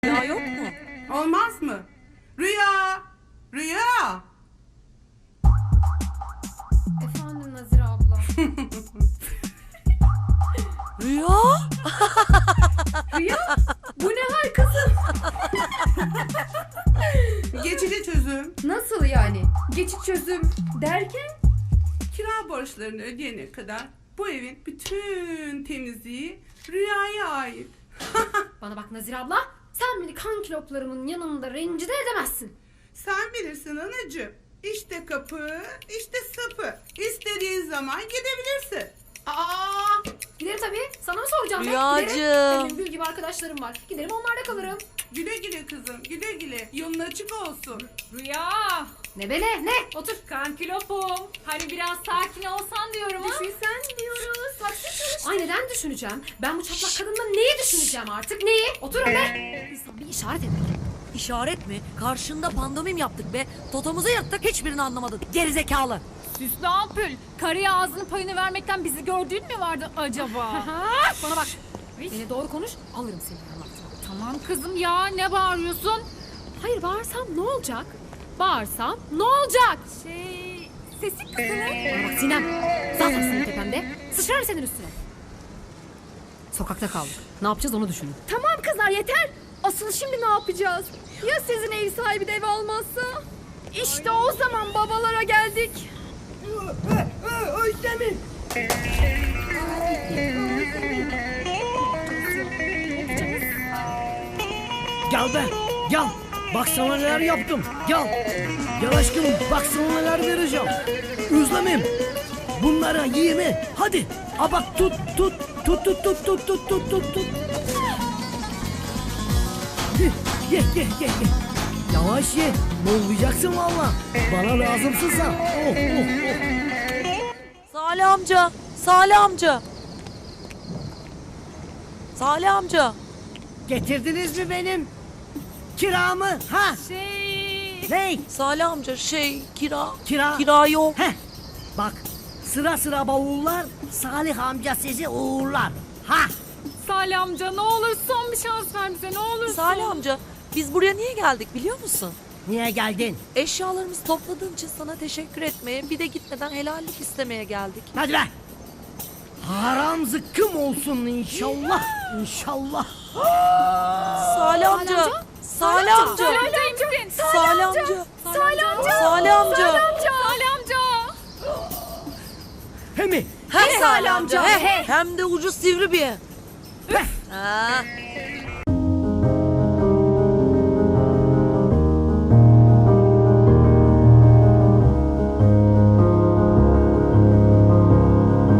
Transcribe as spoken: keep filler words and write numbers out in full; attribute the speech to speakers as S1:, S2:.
S1: Rüya yok mu?
S2: Olmaz mı? Rüya! Rüya!
S3: Efendim Nazire abla.
S1: Rüya?
S3: Rüya? Bu ne hal kızım?
S2: Geçici çözüm.
S3: Nasıl yani? Geçiş çözüm derken?
S2: Kira borçlarını ödeyene kadar bu evin bütün temizliği Rüya'ya ait.
S3: Bana bak Nazire abla. Sen beni kan kiloplarımın yanında rencide edemezsin.
S2: Sen bilirsin anacığım. İşte kapı, işte sapı. İstediğin zaman gidebilirsin.
S3: Aa! Giderim tabii. Sana mı soracağım? ben?
S1: Rüyacığım.
S3: Giderim. Benim gül gibi arkadaşlarım var. Giderim onlarda kalırım.
S2: Güle güle kızım, güle güle. Yolun açık olsun.
S4: Rüya,
S3: Ne be ne? Ne? Otur.
S4: kankilopum. Hani biraz sakin olsan diyorum ha.
S3: Düşünsen diyoruz. Bak çalış. Ay neden düşüneceğim? Ben bu çatlak kadından neyi düşüneceğim artık? Neyi? Otur öyle. İnsan bir işaret etmek.
S1: İşaret mi? Karşında pandomim yaptık be. Totomuzu yırttık, hiçbirini anlamadın. Gerizekalı.
S4: Süslü ampul. Karıya ağzının payını vermekten bizi gördüğün mü vardı acaba?
S3: Bana bak. Beni doğru konuş. Alırım seni anlattım.
S4: Tamam kızım ya, ne bağırıyorsun?
S3: Hayır bağırsam ne olacak? Bağırsam ne olacak?
S4: Şey, sesin kısılır.
S3: Bana bak Sinem. Zaten senin tepemde. Sıçrarım senin üstüne. Sokakta kaldık. Ne yapacağız onu düşünün.
S5: Tamam kızlar yeter. Asıl şimdi ne yapacağız? Ya sizin ev sahibi de ev almazsa? İşte o zaman babalara geldik. Özlem'im.
S6: Gel be, gel. Bak sana neler yaptım. Gel. Gel aşkım, bak sana neler vereceğim. Özlemim. Bunları yeme. Hadi. A bak tut, tut, tut, tut, tut, tut, tut, tut, tut, tut. Ye, ye, ye, ye, ye. Yavaş ye. Boğulacaksın valla. Bana lazımsın sen. Oh, oh, oh.
S1: Salih amca, Salih amca. Salih amca.
S6: Getirdiniz mi benim kiramı? Ha?
S4: Şey,
S6: Ney?
S1: Salih amca şey, kira.
S6: Kira.
S1: Kira yok.
S6: Heh. Bak sıra sıra bavullar Salih amca sizi uğurlar. Ha?
S4: Salih amca ne olur son bir şans ver bize, ne olursun.
S1: Salih amca, biz buraya niye geldik biliyor musun?
S6: Niye geldin?
S1: Eşyalarımızı topladığın için sana teşekkür etmeye, bir de gitmeden helallik istemeye geldik.
S6: Hadi be. Haram zıkkım olsun inşallah. İnşallah.
S1: Salih amca, Salih amca.
S4: Salih amca.
S1: Salih amca.
S4: Salih amca.
S1: Salih amca.
S4: Salih amca.
S6: He mi?
S1: He Salih amca.
S6: He.
S1: He. Hem de ucu sivri bir.
S6: Heh.
S1: Ha.